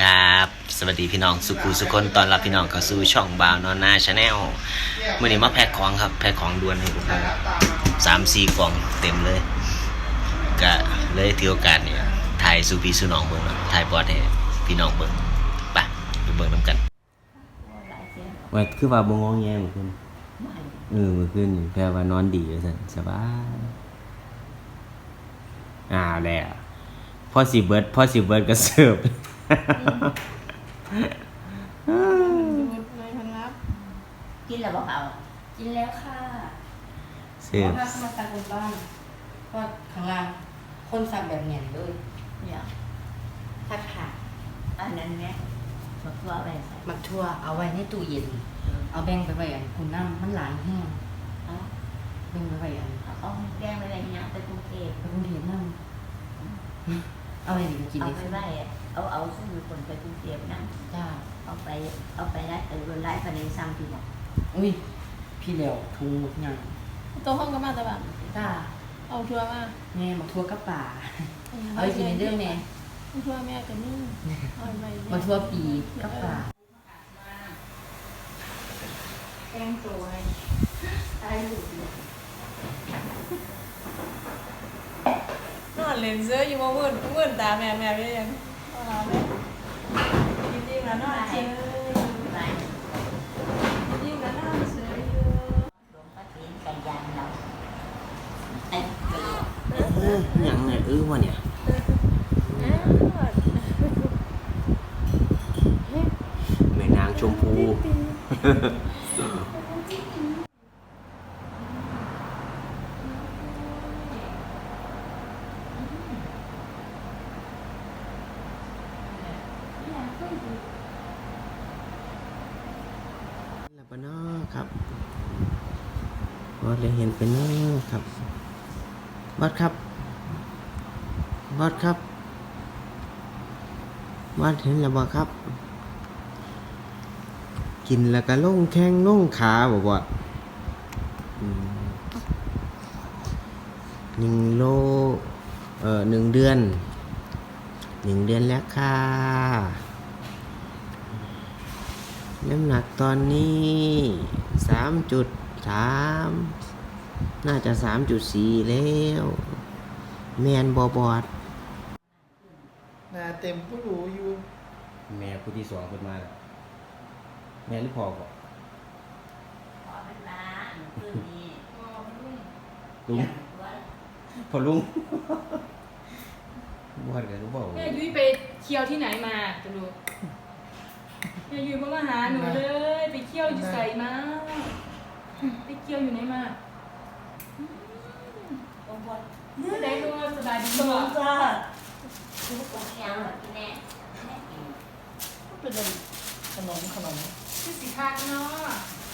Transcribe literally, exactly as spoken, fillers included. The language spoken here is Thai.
ครับสวัสดีพี่น้องสุขุสุคนตอนรับพี่น้องเข้าสู่ช่องบ่าวนอนนาชาแนลเมื่อนี้มาแพ็คของครับแพ็คของด่วนให้ทุกคนสามสี่กล่องเต็มเลยก็เลยถือโอกาสเนี่ยถ่ายสู่พี่สู่น้องเบิ่งถ่ายบอดให้พี่น้องเบิ่งไปไปเบิ่งนำกันว่าคือว่าบ่งงแงเหมือนกันเออเมื่อคืนแปลว่านอนดีว่าซั่นสบายอ่าแล้วพอสิเบิดพอสิเบิดก็เสิร์ฟกินแล้วบอกเอากินแล้วค่ะเสิร์ฟถ้ามาสั่งบนบ้านก็ข้างล่างคนสั่งแบบเนียนเลยเนี่ยผัดผักอันนั้นเนี่ยมาทั่วไปใส่มักทั่วเอาไว้ในตู้เย็น เอาแบ่งไปไว้อันคุณน้ำมันหลายแห้งเอาแบ่งไปไว้อันเอาเอาแกงไปอะไรเนี่ยไปกรุงเทพไปกรุงเทพน้ำเอาไว้ดีกินเอาได้ไปไว้เอาเอาซึ่งมีคนไปกรุงเทพนั่งจ้าเอาไปเอาไปได้เออรถไล่ไปในซ้ำที่บอกอุ้ยพี่เหลียวทุงหมดงานตัวห้องก็มาแต่แบบจ้าเอาทัวร์มาแม่มักทั่วกับป่าเอาไปกินในเรื่องแม่เอาทัวร์แม่กันนี่เอาไปมาทั่วปีกับป่าแกงตัวให้ตายหลุดนอนเล่นเสื้ออยู่มาเมื่นเมื่นตาแม่แม่ไม่ยังเอาเลยจริงๆแล้วนอนเฉยไปจริงๆแล้วนอนเฉยอยู่หลวงพ่อตีนกันยันเราไอ้เกลือเออหยังไงเออวะเนี่ยแม่นางชมพูแล้วปะเนาะครับวัดเลยเห็นเป็นเนาะครับวัดครับวัดครับวัดเห็นแล้วบ่ครับ กินแล้วก็ลงแข้งลงขาบอกว่าอืมหนึ่งโลเอ่อหนึ่งเดือนหนึ่งเดือนแล้วค่ะน้ำหนักตอนนี้สามจุดสามน่าจะสามจุดสี่แล้วแมนบอบอดนาเต็มผู้รู้อยู่แม่ผู้ที่สองคนมาแล้วแม่หรือพ่อก่อนขอเป็นร้านคืนนี้ลุงพอลุงบอดกันรู้เปล่าแม่ยุ้ยไปเที่ยวที่ไหนมาจะรู้แม่ยุ้ยมาหาหนูเลยไปเที่ยวอยู่ใส่มาไปเที่ยวอยู่ไหนมาองค์บอลไม่ได้ตัวสบายดีตัวจ้าคือผมยังแบบที่แน่แน่กินเป็นขนมขนมคือสีคักเนาะ